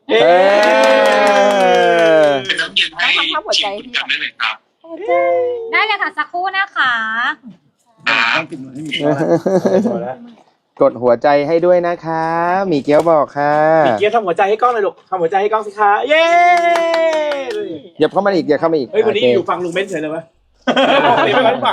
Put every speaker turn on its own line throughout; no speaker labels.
เป็นน้ำเย็นให้ชิมกันได้เลยครับ
ได้เลยค่ะสักครู่นะคะ
กดหัวใจให้ด้วยนะคะหมีเกี๊ยวบอกค่ะ
มีเกี๊ยวทำหัวใจให้กล้องเลยลูกทำหัวใจให้กล้องสิคะเย้
อย่าเข้ามาอีกอย่าเข้ามาอีก
เฮ้ยวันนี้อยู่ฝั่งลุงเบนเฉยเลยวะไม่ไปฝั่ง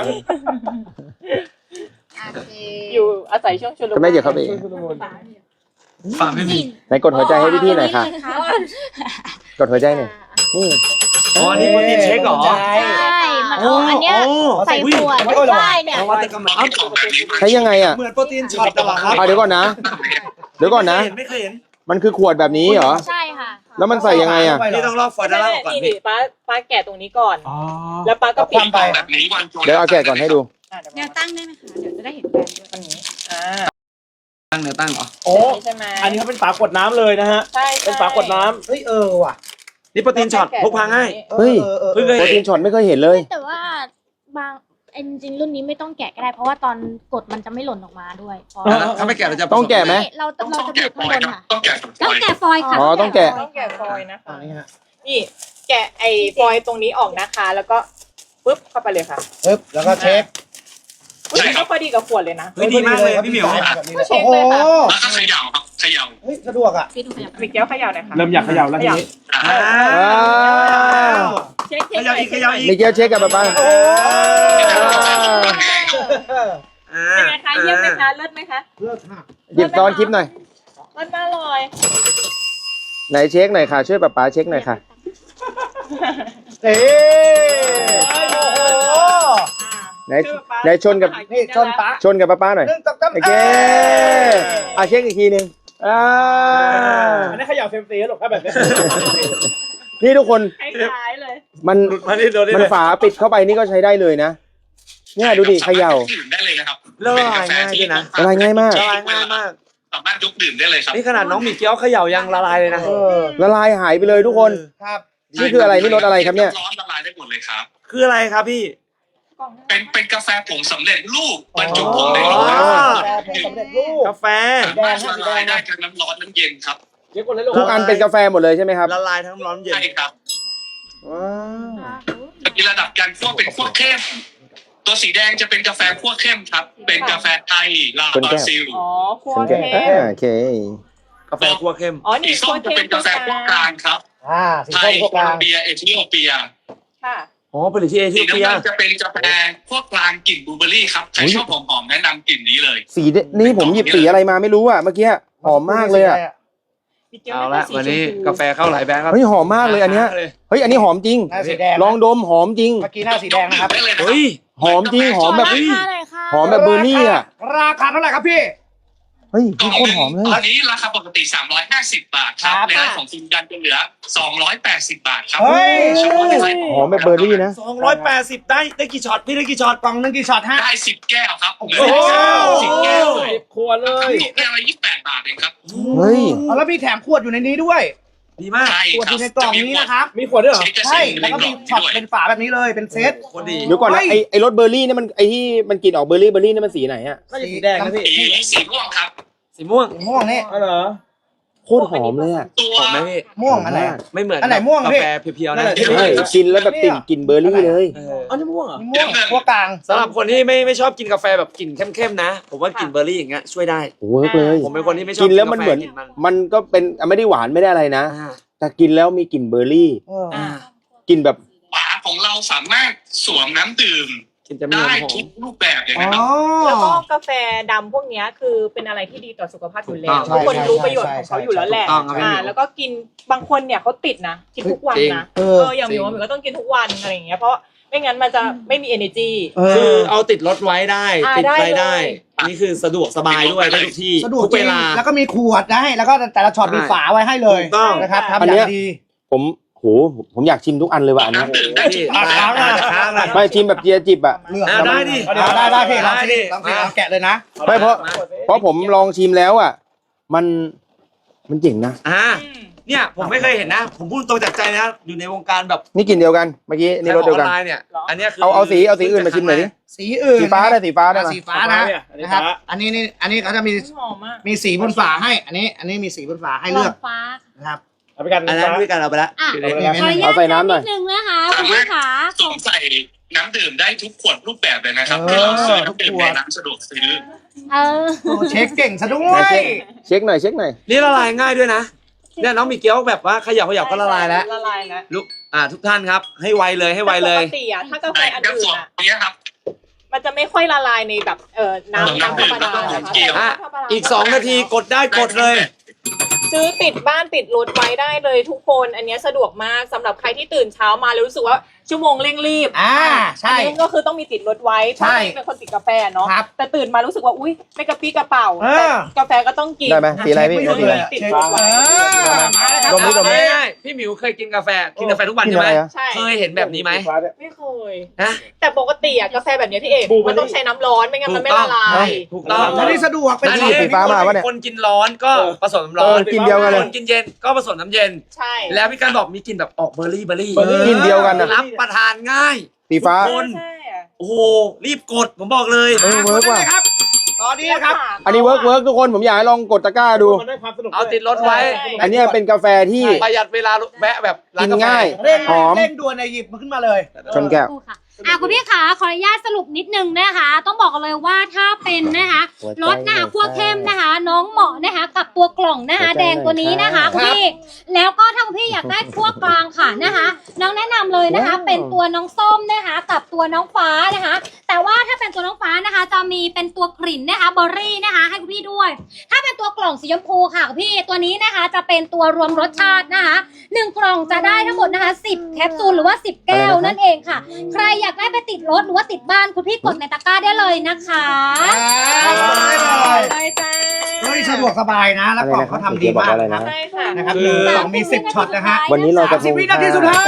อยู่อาศัยช่วงชุลมุน
ก็ไม่อย่าเข้าไปอีก
ฝากไม่มี
ไหนกดหัวใจให้พี่ๆหน่อยค่ะกดหัวใจหน่อยนี่
อ๋อนี่โปรตีนเช็คเหรอ
ใช่มันเอาอันเนี้ยใส่ขวดใช่เนี่ย
นวัตกรรม
ใช้ยังไงอ่ะ
เหมือนโปรตีนช็อตตลอดครับ
เดี๋ยวก่อนนะเดี๋ยวก่อนนะ
ไม่เคยเห็น
มันคือขวดแบบนี้เหรอ
ใช่ค่ะ
แล้วมันใส่ยังไงอ่ะ
นี่ต้องลอกฟอยล์ด้านล่างก่อน
นี่
พี่
ป้าแกะตรงนี้ก่อน แล้วป้าก็ปิด
แบบนี้วันโจ
เดี๋ยวเอาแกะก่อนให้ดู
แนวตั้งได้ไหมคะเดี๋ยวจะได้เห็นแบรนด์ด้วย
อันนี้
ตั้งเนื้อตั้งเหรอ
โอ้
ใช่ไหม
อันนี้เขาเป็นฝาขวดน้ำเลยนะฮะ
ใช่
เป็นฝาขวดน้ำเฮ้ยว่ะนี่โปรตีนช็อตพกพาง่าย
เฮ้ย
เพิ่งเคย
โปรตี
เห็น
นช็อตไม่เคยเห็นเลย
แต่ว่าบางจริงๆรุ่นนี้ไม่ต้องแกะก็ได้เพราะว่าตอนกดมันจะไม่หล่นออกมาด้วย
ถ้าไม่แกะเราจะ
ต้องแกะไหม
เราจะ
ต้อง
บี
แกะ
บ
ฟ
ข้าง
อบ ย
น
ครับ
ค่ะ
ต้องแกะฟอย
ต้องแกะฟอยล์ค่ะ
อ๋อต้องแกะ
ต้องแกะฟอยล์นะคะ
นี่ฮะ
นี่แกะไอ้ฟอยล์ตรงนี้ออกนะคะ แล้วก็ปึ๊บเข้าไปเลยค่ะ
ปึ๊บแล้วก็เช็ค
อุ้ยก็พอดีกับขวดเลยนะ
เฮ้ยดีมากเลยพี่หมิว
ก็เช็คเลยค่ะ
แล้วก็เขย่าครับเขย่า
เฮ้ยสะดวกอ่ะ
พี่ดูขยับ
มีแก้วเขย่าหน่อยค่ะ
เริ่มอยากเขย่าแล้วทีนี้
อ่า
ว้าว
เช็ค
เขย่าอีกเขย่าอีก
มีเกี๊ยวเช็คกับป๊าป้า
เป็นไงคะเยี่ยมไหมคะเลิศไหมคะ
เลิศค่ะ
หยิบซ้อนคลิปหน่อย
เลิศมากเลย
ไหนเช็คหน่อยค่ะช่วยป๊าป้าเช็คหน่อยค่ะ
เอ๊
ไหนไหนชนกับ
นี่ชนปะ
ชนกับป๊าป้าหน่อย
หนึ่งสองสาม
โอเคเช็คอีกทีหนึง
อันนี้เขย่าเซมซีหรอกถ้าแบบนี้
นี่ทุกคน
คล้ายๆเลย
มัน
มานี่โดน
มันฝาปิดเข้าไปนี่ก็ใช้ได้เลยนะเนี่ยดูดิเขย่า
ดื่มได้เลยนะครับ
ละลายง่ายด้วยนะ
ละลายง่ายมาก
ละลายง่ายมาก
สามารถยกดื่มได้เลยครับ
นี่ขนาดน้องหมีเกี๊ยวเขย่ายังละลายเลยนะ
ละลายหายไปเลยทุกคน
ครับ
นี่คืออะไรนี่รสอะไรครับเนี่ย
ร้อนละลายได้หมดเลยครับ
คืออะไรครับพี่
เป็นกาแฟผงสำเร็จรูปบรรจุผงในโหล
อ๋อ
แต่ผมสำเร็จรูป
กาแฟ
สามารถละลายได้ทั้งน้ำร้อนน้ำเย็นครับ
เดี๋ยวคนเลยลูก
ทุกอันเป็นกาแฟหมดเลยใช่ไหมครับ
ละลายทั้งร้อนเย็น
ใช่ครับ
ว้าว
มีระดับการคั่วเป็นคั่วเข้ม ตัวสีแดงจะเป็นกาแฟคั่วเข้มครับ เป็นกาแฟไทยลาบราซิล
อ๋อคั่ว
คุณแก
เข้ม
โอเค
กาแฟคั่วเข้ม
อ๋อ
สี
นี่
ส้
คั่
ม
ว
จะ
เข้
เป็
ม
นกาแฟคั่วกลางครับ
สี
ไท
ส้
ย
มพวก
โค
ก
ล
ลา
อง มเบียเอธิโอเปีย
ค่ะ
อ๋อผลิตที่เอ
สี
ธิโอ
น้ำ
เปีย
เงินจะเป็นกาแฟคั่วกลางกลิ่นบลูเบอร์รี่ครับใครชอบหอมๆแนะนำกลิ่นนี้เลย
สีนี่ผมหยิบสีอะไรมาไม่รู้อ่ะเมื่อกี้หอมมากเลยอ่ะ
เอาละวันนี้กาแฟเข้าหลายแบรนด์ครับ
เฮ้ยหอมมากเลยอันเนี้ยเฮ้ยอันนี้หอมจริง
หน้าสีแดง
ลองดมหอมจริง
เมื่อกี้หน้าสีแดงนะครับ
ได้เลยนะครั
เฮ้ย
หอมจริงหอมแบบ
ราคาหน่อยค่ะ
หอมแบบเบอร์รี่อ่ะ
ราคาเท่าไหร่ครับพี่
เฮ้ยพี่โคตรหอมเลย
ตอนนี้ราคาปกติ350 บาทครับ
ครับ
ในร้านของคุณกันจะเหลือ280 บาทครับ
เฮ้ย
เฉพาะในไลน์
หอมแบบเบอร์รี่นะ
280ได้กี่ช็อตพี่ได้กี่ช็อต
กล่องหนึงกี่ช็อตฮะ
ได้10 แก้วครับเหลือ
โอ้โห
10 แก้วเลย
ขวดเลย
แก้วละ28 บาทเองครับ
เฮ้ย
เอาแล้วมีแถมขวดอยู่ในนี้ด้วย
ดีมาก
ใช่
ขวด
ค
อ
รับ
ยู่ในกล่องนี้นะครับ
มีขวดด้วยเหรอ
ใช่ แล้วก็มีช็อตเป็นฝาแบบนี้เลย เป็นเซต
คนดี
เดี๋ยวก่อนนะ
เฮ้ย
ไอรสเบอร์รี่เนี่ยมันไอที่มันกลิ่นออกเบอร์รี่นี่มันสีไหนอ่ะ
น่าจะสีแดงนะพี่
สีม่วงครับ
สีม่วง
สีม่วงนี่
อ๋อเหรอ
โคตรหอมเลยอ่ะ
ตัว
หอมไหมพี่
ม่วงอันไหน
ไม่เหมือน
อันไหนม่วง
กา
พี่
แฟเพียวๆนะ
ใช่กินแล้วแบบกลิ่นเบอร์รี่เลย
อันนี้ม่วงเหรอ
มีม่วงพวกกลาง
สำหรับคนที่ไม่ชอบกินกาแฟแบบกลิ่นเข้มๆนะ ผมว่ากลิ่นเบอร์รี่อย่างเงี้ยช่วยได้
เวิร์กเลย
ผมเป็นคนที่ไม่ชอบ
กินแล้วมันเหมือน
กาแฟกลิ่นมัน
มันก็เป็นไม่ได้หวานไม่ได้อะไรนะ
อ่า
แต่กินแล้วมีกลิ่นเบอร์รี่
อ่า
กลิ่นแบบ
ฝาของเราสามารถสวมน้ำดื่ม
กลิ่นจะมี
ได้
หอ
ทุ
ม
กรูปแบบเลย
อ๋
นะครับ
อ
แล้วก็กาแฟดำพวกเนี้ยคือเป็นอะไรที่ดีต่อสุขภาพอยู่แล้ว
ถูกต้อง
ทุกคนรู้ประโยชน์ของเขาอยู่แล้วแหละ
ถูกต้องครับพี่หมิว
แล้วก็กินบางคนเนี่ยเขาติดนะกินทุกวัน
จริง
นะ
เออ
อย่างหมิวก็ต้องกินทุกวันอะไรอย่างเงี้ยเพราะไม่งั้นมันจะไม่มี energy
คือเอาติดรถไว้ได้
อ่า
ติดอะไร
ได้
ได้
เลย
นี่คือสะดวกสบายด้วยได้ทุกที่
สะดวก
ทุก
จ
เว
ริง
ลา
แล้วก็มีขวดได้ แล้วก็แต่ละช็อตมีฝาไว้ให้เลย
ถูกต้อง
นะครับ
อั
ทำ
น
อ
เนี้ย
ย่างดี
ผมอยากชิมทุกอันเลยว่ะอันเนี้ย
น้ำดื่มได้ทุก
ค้างนะค้างนะ
ไม่ชิมแบบเจียจิบอ่ะ
เลือก
อ่าได้ดิ
ได้พี่ลอง
ได้
สิ
ดิ
ลองสิเอาแกะเลยนะ
ไม่เพราะผมลองชิมแล้วอ่ะมันเจ๋งนะ
เนี่ยผมไม่เคยเห็นนะ ผมพูดตรงจากใจนะอยู่ในวงการแบบ
นี่กลิ่นเดียวกันเมื่อกี้นี่รสเดียวกัน
ออนไลน์เนี่ยอันเนี้ยคือ
เอาสีอื่นมาชิมหน่อยดิ
สีอื่น
สีฟ้าได้สีฟ้าได้
อ่ะ
มา
สีฟ้านะนะครับ อันนี้เขาจะมี
หอมมาก
มีสีบนฝาให้ อันนี้มีสีบนฝาให้เลือก
ฟ้า
นะครับเอาไปกัน
อันนั้นด้วยกันเอาไปละ
อ่ะ
เอาไป
ขออนุญา
เอา
ต
ใส่น้ำหน่อย
นิดนึงนะคะคุณพี่ขา
สวมใส่น้ำดื่มได้ทุกขวดรูปแบบเลยนะครับ
เออ
ที่เราซื้อน้ำดื่ม
ทุกขว
ใน
ด
ร้านสะดวกซื้อ
เออ
โอ้เช็คเก่งซะด้ว
ไหน
ย
เช็คหน่อยเช็คหน่อย
นี่ละลายง่ายด้วยนะเนี่ยน้องมีเกี๊ยวแบบว่าเขยับก็ละลายแล้ว
ละลายแล้ว
ลูกทุกท่านครับให้ไวเลยให้ไวเลย
ปกติอะถ้ากาแฟ
ใช่
อัน
กระ
อื่
ส
น
อบ
อะ
เนี้ยครับ
มันจะไม่ค่อยละลายในแบบน้ำธรรมดานะคะ
อ่ะ
แต่ว่า
อีก2 นาทีกดได้กดเลย
ซื้อติดบ้านติดรถไว้ได้เลยทุกคน อันเนี้ยสะดวกมากสำหรับใครที่ตื่นเช้ามาแล้วรู้สึกว่าชั่วโมงเร่งรีบ
ใช่
อันนี้ก็คือต้องมีติดรถไว้เพ
ใช่
ราะเป็นคนติดกาแฟเนาะ
ครับ
แต่ตื่นมารู้สึกว่าอุ้ยไม่กระปี้กระเป๋า
เออ
แต่กาแฟก็ต้องกิน
ได้ไหมสีอะไรพี่
เช็ค
สีอะไร
ติด
เช็ค
รถไว้
มาแล้วครับ
ดมดิดมดิ
ง่ายๆพี่หมิวเคยกินกาแฟทุกวัน
กิน
ใช่
อะ
ไหม
ไรอะ
ใช่
เคยเห็นแบบนี้ไหม
ไม่เคย
นะ
แต่ปกติอะกาแฟแบบเนี้ยพี่เอกมันต้องใช้น้ำร้อนไม่งั้นมันไม่ละลาย
ถูกต้อง
อันนี้สะดวกเป็น
อัน
สี
นี้
สีฟ้ามาปะเนี่ย
คนกินร้อนก็ผสมน้ำร้อน
กินเดียวกันเลย
คนกินเย็นก็ผสมน้ำเย็น
ใช่
แล้วพี่การบอกมีกลิ่นแบบออกเบอร์รี่
กินเดียวกันนะ
รับประทานง่าย
สีฟ้า
คน
ใช่อะ
โอ้โหรีบกดผมบอกเลย
เออเวิร์กว่ะ
ครับตอนนี้นะครับ
อันนี้เวิร์กทุกคนผมอยากให้ลองกดตะกร้าดู
มันได้ความสนุก
เอาติดรถไว้
อันเนี้ยเป็นกาแฟที่
ประหยัดเวลาแวะแบบร้าน
กิน
กาแฟ
ง่าย
เร่ง
หอม
เร่งด่วนในหยิบมันขึ้นมาเลย
ชนแก้ว
ค่ะคุณพี่ขาขออนุญาตสรุปนิดนึงนะคะ ต้องบอกกันเลยว่าถ้าเป็นนะคะรสนะคะคั่วเข้มนะคะ น้องเหมาะนะคะกับตัวกล่องนะคะ
หัวใจ
แดงตัวนี้นะคะ
หน่อย
คุณพี่แล้วก็ถ้าคุณพี่อยากได้คั่วกลางค่ะนะคะ น้องแนะนำเลยนะคะ
ว้าว
เป็นตัวน้องส้มนะคะ กับตัวน้องฟ้านะคะ แต่ว่าถ้าเป็นตัวน้องฟ้านะคะ จะมีเป็นตัวกลิ่นนะคะเบอร์รี่นะคะ ให้คุณพี่ด้วย ถ้าเป็นตัวกล่องสีชมพูค่ะคุณพี่ตัวนี้นะคะ จะเป็นตัวรวมรสชาตินะคะ1 กล่องจะได้ทั้งหมดนะคะ10 แคปซูลหรือว่า10 แก้วนั่นเองค่ะ ใครอยากได้ไปติดรถหรือว่าติดบ้านคุณพี่กดในตะกร้าได้เลยนะคะ
ได้จ้า
เฮ้ยสะดวกสบายนะ แล้วกล่องเขาทำดีมาก
อะไร
นะ
นะ
ใช่ค่ะ
นะครับ
คือ
กล่องมี10ช็อตนะฮะ
วันนี้เราจะ
10 วินาทีสุดท้าย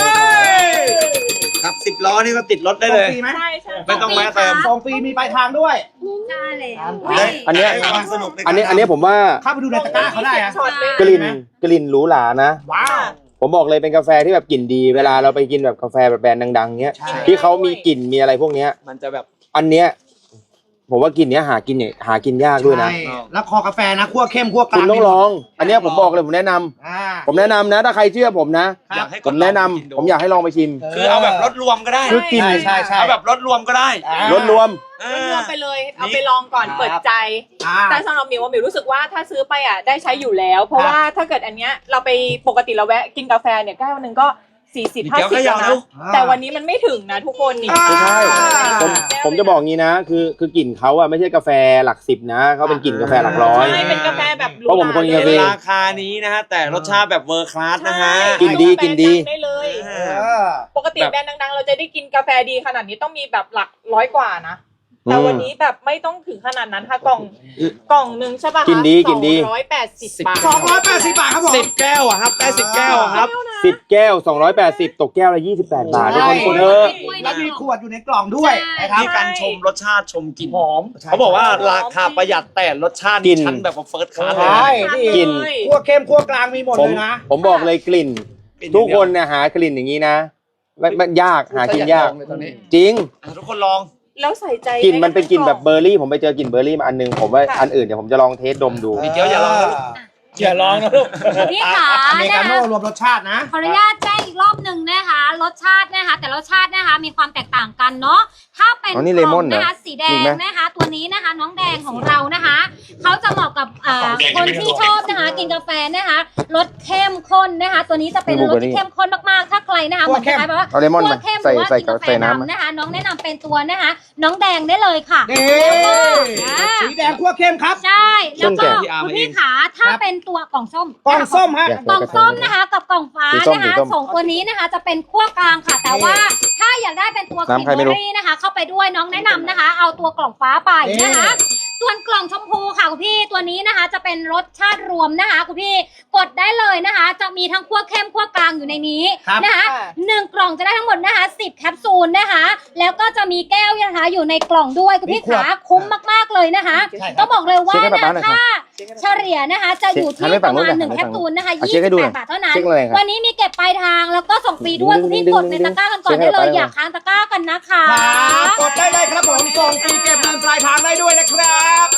ครับ10 ล้อนี่ก็ติดรถได้เลย
ส่งฟรีไหม
ใช่ใช่
ไม่ต้องแวะเติม
ส่งฟรีมีปลายทางด้วย
ได้เลย
อันเนี้ย
ได้ความสนุกในการ
อันนี้ผมว่า
เข้าไปดูในตะกร้าเขาได้อะ
ช็อตเลย
กลิ่นหรูหรานะ
ว้าว
ผมบอกเลยเป็นกาแฟที่แบบกลิ่นดี เวลาเราไปกินแบบกาแฟแบบแบรนด์ดังๆเนี้ย
ใช่
ที่เขามีกลิ่นมีอะไรพวกเนี้ย
มันจะแบบ
อันเนี้ยผมว่ากลิ่นเนี้ยหากินยากด้วยนะ
ใช่แล้วคอกาแฟนะคั่วเข้มคั่วกลาง
คุณต้องลอง อันเนี้ยผมบอกเลยผมแนะนำ
อ่า
ผมแนะนำนะ ถ้าใครเชื่อผมนะ
อยากให้
ผมแนะนำผมอยากให้ลองไปชิม
คือเอาแบบรถรวมก็ได้
คือกลิ่น
ใช่ใช่
เอาแบบรถรวมก็ได้
รสรวม
รวมไปเลย เอาไปลองก่อนเปิดใจ
อ่า
แต่สำหรับหมิวว่าหมิวรู้สึกว่าถ้าซื้อไปอ่ะได้ใช้อยู่แล้ว เพราะว่าถ้าเกิดอันเนี้ยเราไปปกติเราแวะกินกาแฟเนี่ยแก้วนึงก็40
เดี๋ยวข
50
ยั
แล้ว
บเร็
นะ
ว
แต่วันนี้มันไม่ถึงนะทุกคนนี่
ไม่ใช่
อ่า
ผมจะบอกงี้นะ คือกลิ่นเขาอะไม่ใช่กาแฟหลัก10นะเขาเป็นกลิ่นกาแฟหลักร้อย
ใช่เป็นกาแฟแบบหรู
เพราะผมเป็นคนกินกาแฟ
ราคานี้นะฮะแต่รสชาติแบบเวอร์คลาสนะฮะ
กินดีกินดี
ได้เลย
เออ
ปกติแบรนด์ดังๆ เราจะได้กินกาแฟดีขนาดนี้ต้องมีแบบหลัก100 กว่านะ แต่วันนี้แบบไม่ต้องถึงขนาดนั้นค่ะกล่องนึงใช่ป่ะคะ
กินดีกินดี
280 บาท
280 บาทครับผม
10 แก้วอะครับได้10 แก้วอะครับ
10 แก้ว 280 ตกแก้วละ28 บาททุกคนกดเถอะ
แล้วมีขวดอยู่ในกล่องด้วยนะครับ
ที่การชมรสชาติชมกลิ่น
หอม
เขาบอกว่าราคาประหยัดแต่รสชาติ
กลิ่น
ชั้นแบบว่าเฟิร์สคลาส
ใช่นี่
กลิ่น
คั่วเข้มคั่วกลางมีหมด
ผ
เล
ม
ยนะ
ผมบอกเลยกลิ่น ทุกคนเนี่ยหากลิ่นอย่างนี้นะมันยากหากินยาก จริง
ทุกคนลอง
แล้วใส่ใจ
กลิ่นมันเป็นกลิ่นแบบเบอร์รี่ ผมไปเจอกลิ่นเบอร์รี่มาอันนึง ผมว่าอันอื่นเดี๋ยวผมจะลองเทสดมดู
มีเกี๊ยวอย่าลองนะลูก
อย่าลองนะลูก
พี่ขา
อเมริ
นะ
กา
คะ
โน่รวมรสชาตินะ
ขออนุญาตแจ้งอีกรอบหนึ่งนะคะ รสชาตินะคะ แต่รสชาตินะคะมีความแตกต่างกันเนาะถ้าเป็น
อ๋อนี่
ก
เล
ล่
ม
อ
อน
ง
เหรอ
นะคะสีแด
มี
ง
ไหม
นะคะ ตัวนี้นะคะ น้องแดงของเรานะคะเขาจะเหมาะกับคนที่ชอบนะคะกินกาแฟนะคะรสเข้มข้นนะคะ ตัวนี้จะเป็นรสที่เข้มข้นมากๆ ถ้าใครนะคะเหมือนคล้ายๆแบบว่า
เอาเลมอนมา
คั่วเข้มห
ใส่
รือว่า
ใส่
กินกาแฟ
ใส่น้ำ
ดำนะคะ น้องแนะนำเป็นตัวนะคะ น้องแดงได้เลยค่ะ
นี่ สีแดงคั่วเข้มครับ
ใช่แล้วก็
พี่อาร์ม
คุณ
เอง
พี่ขาถ้าเป็นตัวกล่องส้ม
กล่องส้มฮะ
กล่องส้มนะคะกับกล่องฟ้า
สีส้ม
นะคะ
สีส้ม
สองตัวนี้นะคะจะเป็นขั้วกลางค่ะ แต่ว่าถ้าอยากได้เป็นตัวกลิ่น
น้ำใคร
เบ
ไม่
อ
รู้
ร์รี่นะคะ เข้าไปด้วยน้องแนะนำนะคะ เอาตัวกล่องฟ้าไปนะคะ ส่วนกล่องชมพูค่ะคุณพี่ตัวนี้นะคะ จะเป็นรสชาติรวมนะคะคุณพี่กดได้เลยนะคะ จะมีทั้งขั้วเข้มขั้วกลางอยู่ในนี้
ครับ
นะคะ1 กล่องจะได้ทั้งหมดนะคะ10 แคปซูลนะคะ แล้วก็จะมีแก้วนะคะอยู่ในกล่องด้วยคุณพี่ขาคุ้มมากๆเลยนะคะ
ใช่ครับ
ต้องบอกเลยว่า
เช็คให้ป๊า
นะ
ป๊าหน่อยครับ
ถ้าเฉลี่ยนะคะจะอยู่ที่ประมาณ1 แคปซูลนะคะ
เอาเช็คให้ดูหน่อย
28 บาทเท่านั้น
เช็คอะไรครับ
วันนี้มีเก็บปลายทางแล้วก็ส่งฟรีด้วยคุณพี่กดในตะกร้ากันก่อนได้เลยอยากค้างตะกร้ากันนะคะ
ครับกดได้เลยครับผมส่งฟรีเก็บเงินปลายทางได้ด้วยนะครับ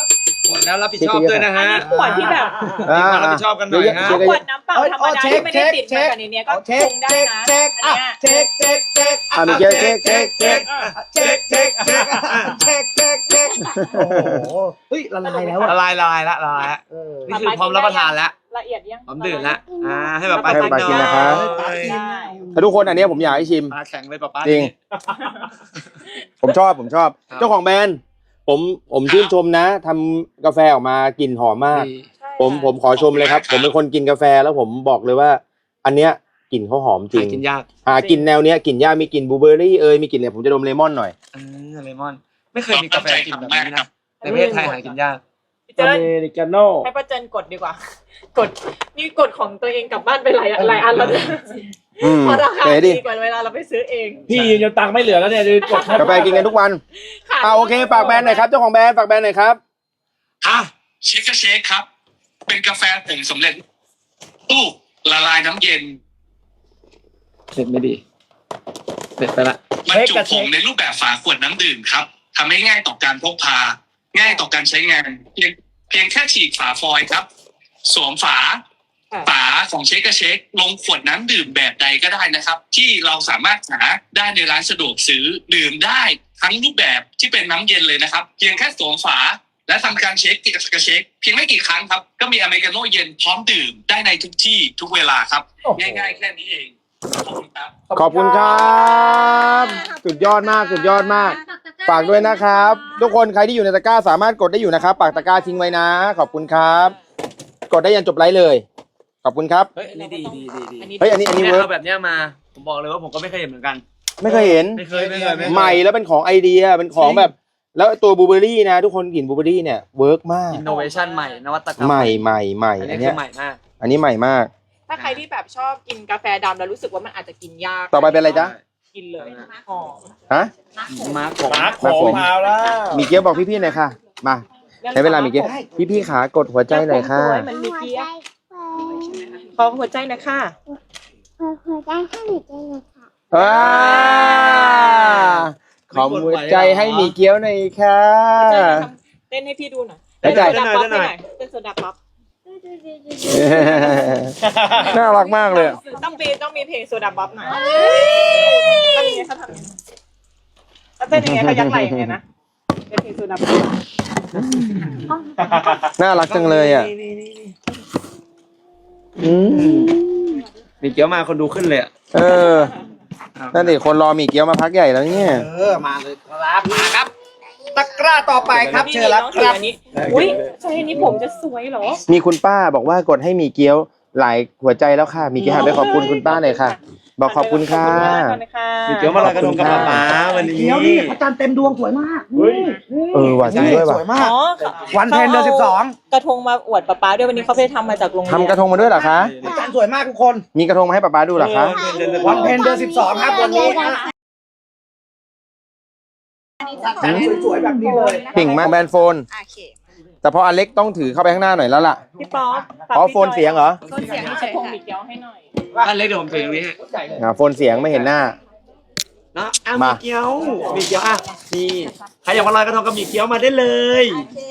แล้วรับผิดชอบด้วยนะฮะ
ขวดที่แบบ
อ่า
รับผิดชอบกันหน่อยฮะ
ขวดน้ำเปล่าธรรมดาที่ไม่ได้ติดมากับในเนี้ยก็ปรุงได้นะ
เช็ค
อันเนี้ย
เช็ค
อ่ะมีเช็ค
โอ้โหเฮ้ยละลายแล้ว
ละลายละนี่คือพร้อมรับประทานแล้ว
ละเอียดยัง
พร้อมดื่มแล้วให้แบบ
ให้ป๊ากินนะครับ
ได้
แต่ทุกคนอันเนี้ยผมอยากให้ชิม
ปลาแข็งเลยป๊า
จริง ผมชอบ เจ้าของแบรนด์ผมชื่นชมนะทำกาแฟออกมากลิ่นหอมมาก ผมขอชมเลยครับ ผมเป็นคนกินกาแฟแล้วผมบอกเลยว่า อันเนี้ยกลิ่นเขาหอมจริง
กินยาก
กลิ่นแนวเนี้ยกลิ่นยากมีกลิ่นบลูเบอร์รี่มีกลิ่นเนี่ยผมจะดมเลมอนหน่อย
เลมอน ไม่เคยมีกาแฟกินแบบนี้นะในประเทศไทยหากินยาก
เจิ้
อน เมริกาโน่
ให้ป้าเจินกดดีกว่า กดนี่กดของตัวเองกลับบ้านไปหลายอันแล้วเนี่ย เพราะราคา
เก๋ดิ
ดีกว่าเวลาเราไปซื้อเอง
พี่ยืนจนตังค์ไม่เหลือแล้วเนี่ยดูกด
กาแฟกินกันทุกวันโอเคฝากแบรนด์หน่อยครับเจ้าของแบรนด์ฝากแบรนด์หน่อยครับ
เชคครับ เป็นกาแฟผงสำเร็จตู้ละลายน้ำเย็น
เสร็จไม่ดีเสร็จไปละ
บรรจุผงในรูปแบบฝาขวดน้ำดื่มครับทำให้ง่ายต่อการพกพา ง่ายต่อการใช้งาน เพียงแค่ฉีกฝาฟอยล์ครับ สวมฝาของเชคลงขวดน้ำดื่มแบบใดก็ได้นะครับ ที่เราสามารถหาได้ในร้านสะดวกซื้อดื่มได้ทั้งรูปแบบที่เป็นน้ำเย็นเลยนะครับ เพียงแค่สวมฝาและทำการเช็คเพียงไม่กี่ครั้งครับก็มีอเมริกาโน่เย็นพร้อมดื่มได้ในทุกที่ทุกเวลาครับง่ายๆแค่นี้เองขอบคุณครับ
ขอบคุณครับสุดยอดมากฝากด้วยนะครับ ทุกคนใครที่อยู่ในตะกร้าสามารถกดได้อยู่นะครับปากตะกร้าทิ้งไว้นะขอบคุณครับ กดได้ยันจบไลฟ์เลยขอบคุณครับ
เฮ้ยอันนี้ดี
เฮ้ยอันนี้
เนี่ย
เวิร์ก
เอาแบบเนี้ยมาผมบอกเลยว่าผมก็ไม่เคยเห็นเหมือนกัน
ไม่เคยเห็น
ไม่เคย
ใหม่แล้วเป็นของไอเดียเป็นของแบบ แล้วตัวบลูเบอร์รี่นะทุกคนกลิ่นบลูเบอร์รี่เนี่ยเวิร์กมาก
อินโนเวชันใหม่นวัตกรรม
ใหม่
อัน
อั
นี้
น
คื
เนี้
อย ใหม่มาก
อันนี้ใหม่มาก
ถ้าใครที่แบบชอบกินกาแฟดำแล้วรู้สึกว่ามันอาจจะกินยาก
ต่อไปเป็นอะไรจ๊ะ
กินเลยหอม
ฮะ
มาร์คผม
มาของมาแล้ว
มีเกี๊ยวบอกพี่ๆหน่อยค่ะมาใช้เวลามีเกี๊ยวพี่ๆขากดหัวใจหน่อยค่ะ
สวยมันมีเกี๊ยวขอหัวใจหนะคะ
หัวใจให้หนูใจหน่อยค่ะ
ขอหัวใจให้มีเกี๊ยวหน่อยค่ะ
เต้นให้พี่ดูหน่อย
หัวใจ
เต้นโซดาป๊อปให้หน่อยเต้นโซดาป๊อป
น่ารักมากเลย
ต้องมีเพลงโซดาป๊อปหน่อยทำยังไงเขาทำยังไงเขาเต้นยังไงเขายักไหล่ยังไงนะเป็นเพลงโซดาป๊อป
น่ารักจังเลยอ่ะ
มีเกี๊ยวมาคนดูขึ้นเลยอะ
นั่นดิคนรอมีเกี๊ยวมาพักใหญ่แล้วเนี่ย
มาเลยครับมาครับ ตะกร้าต่อไปครับเชิญรับครับ
อันนี้อุ้ยใช่อันนี้ผมจะสวยเหรอ
มีคุณป้าบอกว่ากดให้มีเกี๊ยวหลายหัวใจแล้วค่ะ มีเกี๊ยวหันไปขอบคุณคุณป้าหน่อยค่ะ บอกขอบคุณค่ะ
มีเกี๊ยวมาลอยกระทงกับป๊าวันนี้
เดี๋ยวนี่พระจันทร์เต็มดวงสวยมาก
หวานจริงด้วย
ส
ว่ะ
วยมาก
อ๋อ
วันเพ็ญเดือน12
กระทงมาอวดป๊าด้วยวันนี้เขาไปทำมาจากโรงเรียน
ทำกระทงมาด้วยเหรอคะ
พระจันทร์สวยมากทุกคน
มีกระทงมาให้ป๊าดูเหรอคะ
วันเพ็ญเดือน12ครับวันนี้ฮะจัดสวยๆแบบนี้เลย
เก่งมากแบรนด์โฟน
โอเค
แต่พออเล็กต้องถือเข้าไปข้างหน้าหน่อยแล้วล่ะ
พี่ป๊อป
อ๋อโฟนเสียงเหรอ
โฟนเสียงให้กระทงมีเกี๊ยวให้หน่อย
อันเล็กเดี๋ยวผมถือตรงนี้ฮะ
โฟนเสียงไม่เห็นหน้า
เนาะ
มา
มีเกี๊ยวอ่ะนี่ใครอยากมาลอยกระทงกับมีเกี๊ยวมาได้เลย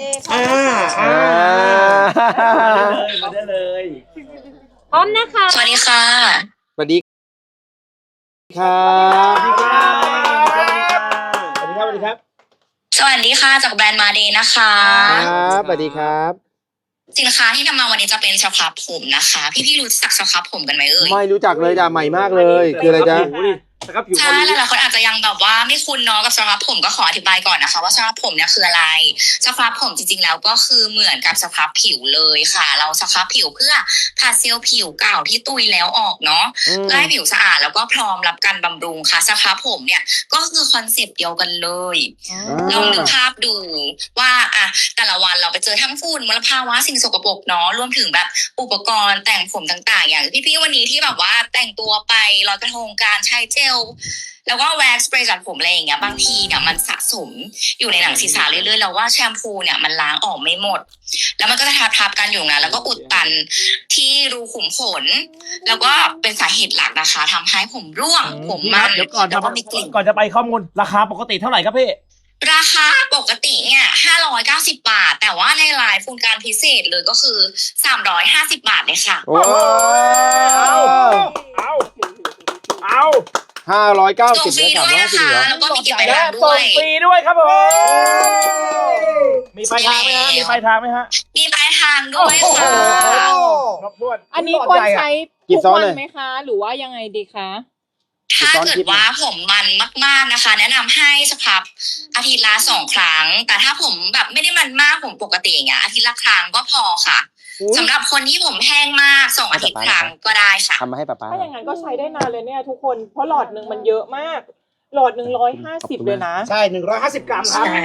มาได้เลย
พร้อมนะคะ
สวัสดีค่ะ
สวัสดีครับ
สวัสดีครับ
สวัสดีค่ะจากแบรนด์มาเดย์นะคะ
ครับสวัสดีครับ
สินค้าที่นำมาวันนี้จะเป็นสครับผมนะคะ พี่ๆรู้จักสครับผมกันไหมเอ่ย
ไม่รู้จักเลยจ้ะใหม่มากเลย คืออะไรจ๊ะ
แล้วก็ผิว
ใช่หลายๆคนอาจจะยังแบบว่าไม่คุ้นเนาะกับสครับผมก็ขออธิบายก่อนนะคะ ว่าสครับผมเนี่ยคืออะไรสครับผมจริงๆแล้วก็คือเหมือนกับสครับผิวเลยค่ะ เราสครับผิวเพื่อผัดเซลล์ผิวเก่าที่ตุยแล้วออกเนาะ เพื่อให้ผิวสะอาดแล้วก็พร้อมรับการบำรุงค่ะสครับผมเนี่ยก็คือคอนเซปต์เดียวกันเลยลองนึกภาพดูว่าอะแต่ละวันเราไปเจอทั้งฝุ่นมลภาวะสิ่งสกปรกเนาะรวมถึงแบบอุปกรณ์แต่งผมต่างๆ อย่างพี่ๆวันนี้ที่แบบว่าแต่งตัวไปลอยกระทงการใช้เจลแล้วก็แว็กซ์สเปรย์จัดผมอะไรอย่างเงี้ยบางทีเนี่ยมันสะสมอยู่ในหนังศีรษะเรื่อยๆแล้วว่าแชมพูเนี่ยมันล้างออกไม่หมดแล้วมันก็จะทับกันอยู่นะแล้วก็อุดตันที่รูขุมขนแล้วก็เป็นสาเหตุหลักนะคะทำให้ผมร่วงผมมัน
เดี๋ยวก่อน
แล้วก็มีกลิ่น
ก่อนจะไปข้อมูลราคาปกติเท่าไหร่ครับพี่
ราคาปกติเนี่ย590 บาท แต่ว่าในไลฟ์ฟูลการพิเศษเลยก็คือ350 บาทเลยค่ะ
ว้าว
เอา
590
ส่งฟรีด้วยนะคะ แล้วก็มีเก็บไป
และ
ร้านด้
ส่
ว
ง
ย
ฟรีด้วยครับผมมีปลายทางไหมฮะมีปลายทางไหมฮะ
มีปลายทางด้วยค่ะ
ครบถ้วน
อันนี้ควรใช้
กี่
ทุก
ซ้อน
วัน
เลย
ไหมคะ หรือว่ายังไงดีคะ
ถ้าเกิดว่าผมมันมากๆนะคะ แนะนำให้สครับอาทิตย์ละ2 ครั้ง แต่ถ้าผมแบบไม่ได้มันมากผมปกติอย่างเงี้ยอาทิตย์ละครั้งก็พอค่ะสำหรับคนที่ผมแห้งมาก2 อาทิตย์ครั้งก็ได้ค่ะ
ทำมาให้ป๊าป๊า
ถ้าอย่างนั้นก็ใช้ได้นานเลยเนี่ยทุกคน เพราะหลอดหนึ่งมันเยอะมาก หลอดหนึ่ง150เลยนะ
ใช่150 กรัมครับ
ใช่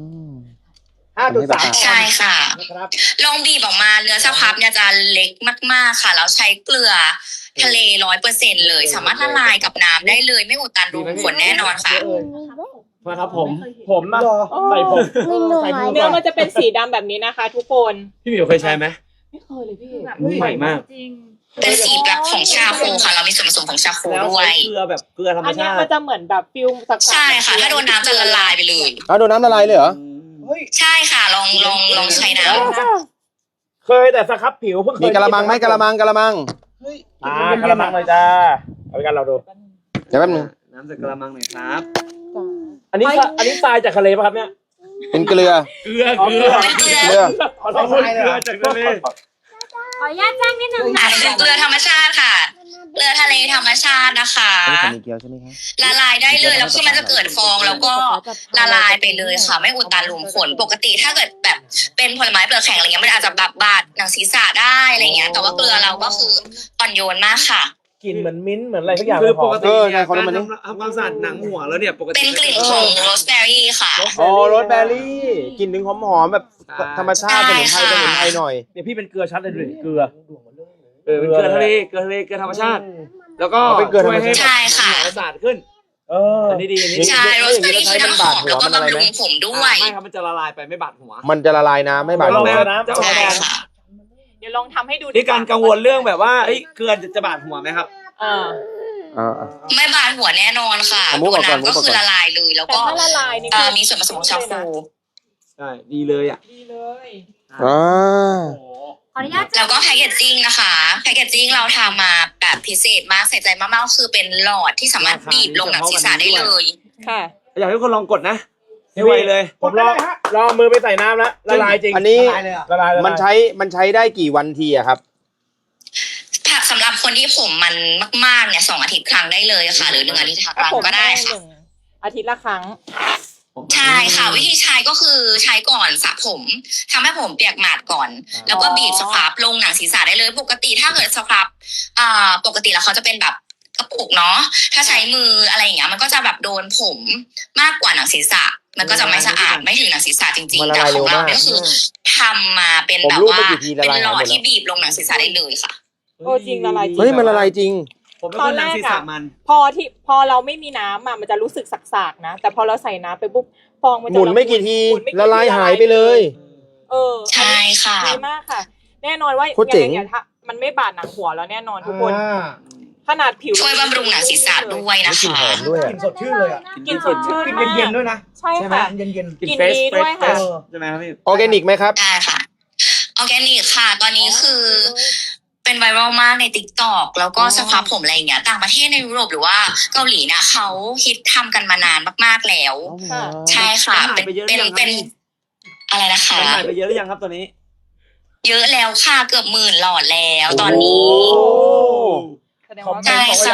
5.3
ใช่ค่ะ
นะครับ
ลองบีบออกมาเนื้อสครับเนี่ยจะเล็กมากๆค่ะแล้วใช้เกลือทะเล100%เลย สามารถละลายกับน้ำได้เลยไม่อุดตันรูขุมขนแน่นอนค่ะ
มาครับผมนะใส่ผมใส่ผม
เนื้อมันจะเป็นสีดำแบบนี้นะคะ ทุกคน
พี่หมิวเคยใช้ไหม
ไม่เคยเลยพี่
ใหม่มาก
เป็นสีแบบของชาโคค่ะ เรามีส่วนผสมของชาโค
แล้ว
ด้ว
ใช้
ย
เกลือแบบเกลือธรรม
อันเนี้
ชาย
มัน
ติ
จะเหมือนแบบฟิลสักๆ
ใช่ค่ะ ถ้าโดนน้ำจะละลายไปเลย
เอาโดนน้ำละลายเลยเหรอ
ใช่ค่ะ ลองใช้น้ำ
เคยแต่สครับผิวเพิ่งเคย
มีกะละมังไหมกะละมัง
กะละมังเลยจ้าเอาไปกันเราดู
เดี๋ยวแป๊บนึง
น้ำจากกระมังหน่อยครับ
อันนี้ทรายจากทะเลป่ะครับเนี่ย
เป็นเกลือ
เกลือ
เป็นเกลือ
เกลือ
ขอโทษเกลือจากทะเล
ขออนุญาตแจ้งนิดนึงนะ
เป็นเกลือธรรมชาติค่ะ เกลือทะเลธรรมชาตินะคะ
อันนี้ของมีเกลียวใช่ไหมครับ
ละลายได้เลยแล้วคือมันจะเกิดฟองแล้วก็ละลายไปเลยค่ะ ไม่อุดตันรูขุมขนปกติถ้าเกิดแบบเป็นผลไม้เปลือกแข็งอะไรเงี้ยมันอาจจะแบบบาดหนังศีรษะได้อะไรเงี้ย แต่ว่าเกลือเราก็คืออ่อนโยนมากค่ะ
กลิ่นเหมือนมิ้นท์เหมือนอะไรทุกอย่าง
คือปกติ
ไง
เนี่ย
คนละมัน
การทำความสะอาดหนังหัวแล้วเนี่ยปกติ
เป็นกลิ่นของโรสแบร์รี่ค่ะ
อ๋อโรสแบร์รี่กลิ่นถึงหอมๆแบบธรรมชาติสมุนไพร
ใช่ค่ะ
สมุนไพรหน่อย
เนี่ยพี่เป็นเกลือชัดเลยดูดิเกลือ
เป็นเกลือทะเลเกลือทะเลเกลือธรรมชาติ แล้วก็
เป็นเกลือธรรมชาติ
ใช่ค่ะ
หสะอาดขึ้น อันนี้ดีอันนี้ดี
ใช่โรสแบร์รี่คือน้ำหอมแล้วก็บำรุงผมด้วย
ไม่ครับมันจะละลายไปไม่บาดหัว
มันจะละลายน้ำไม่บาด
ลอง
หัว
เลยนะ
ใช่ค่ะ
เดี๋ยวลองทำให้ดู
นี่การกังวลเรื่องแบบว่าเกลือจะบาดหัวไหมครับ
ไม่บาดหัวแน่นอนค่ะ
เอามุ
ตั
ก
ว
ก่อน
น้ำก็
มุกก่อน
คือละลายเลยแล้ว
แต่
ก็
ถ้าละลายนี่
มีส่วนผสมของชาโค
ใช่ดีเลยอ่ะ
ดีเลย
อ่า
ขออนุญาต
แล้วก็แพคเกจจิ้งนะคะแพคเกจจิ้งเราทำมาแบบพิเศษมากใส่ใจมากๆก็คือเป็นหลอดที่สามารถบีบลงหนังศีรษะได้เลย
ค่ะ
อยากให้ทุกคนลองกดนะให้ไวเลย
ผมลองมือไปใส่น้ำแล้วละลายจริง
อันนี้
ละลาย
มันใช้ได้กี่วันทีอะครับ
สำหรับคนที่ผมมันมากๆเนี่ย2 อาทิตย์ครั้งได้เลยค่ะ หรือ1 อาทิตย์ครั้งก็ได้ค่ะ
อาทิตย์ละครั้ง
ใช่ค่ะ วิธีใช้ก็คือใช้ก่อนสระผมทำให้ผมเปียกหมาดก่อน แล้วก็บีบสครับลงหนังศีรษะได้เลย ปกติถ้าเกิดสครับปกติแล้วเขาจะเป็นแบบกระปุกเนาะถ้าใช้มืออะไรอย่างเงี้ยมันก็จะแบบโดนผมมากกว่าหนังศีรษะ มันก็จะไม่สะอาดไม่ถึงหนังศีรษะจริง
มัน
ๆ
ละ
แต่
ลาย
ของเรา
เร็วมาก
เนี่ยก็คือทำมาเป็น
ผม
แบบ
รูป
ว่า
ไปกี่ทีละ
เป็น
ลาย
หลอ
หม
ด
ดแล้ว
ที่บีบลงหนังศีรษะได้เลยค่ะ
โอ้จริงละลายจริง
เฮ้ยมันละลายจริง
ผมเป็นคนหนังศีรษะมัน
พอเราไม่มีน้ำมันจะรู้สึกสักๆนะ แต่พอเราใส่น้ำไปปุ๊บฟองมันจะ
หมุนไม่กี่ที
หมุนไม่กี่
ละลายหายไปเลย
ใช่ค่ะ
ดีมากค่ะ แน่นอนว่า
โคตรเจ๋ง
ยังไงถ้ามันไม่บาดหนังหัวแล้วแน่นอนทุกคน ขนาดผิว
ช่วยบำรุงหนังศีรษะด้วยนะ
กลิ่น
คะ
หอมด้วย
กลิ่นสดชื่นเลยอ่ะ
กินสดชื่น
กลิ่น
มาก
เย็นๆด้วยนะ
ใช่
ใช่ไหม
ค่ะ
เย็น
กลิ่นดีด้วยค่ะ
ใช่ไหมครับพี่
ออร์แกนิกไหมครับ
ได้ค่ะออร์แกนิกค่ะ ตอนนี้คือเป็นไวรัลมากใน TikTok แล้วก็สครับผมอะไรอย่างเงี้ยต่างประเทศในยุโรปหรือว่าเกาหลีนะเขาฮิตทำกันมานานมากๆแล้ว
ค่ะ
ใช่ค่ะ
หายไปเยอะหรือยังครับ
เป็นอะไรนะคะ
หายไปเยอะหรือยังครับตัวนี้
เยอะแล้วค่ะเกือบ10,000 หลอดแล้วตอนนี้
โอ้
แสดงว่า
ใช่ค่ะ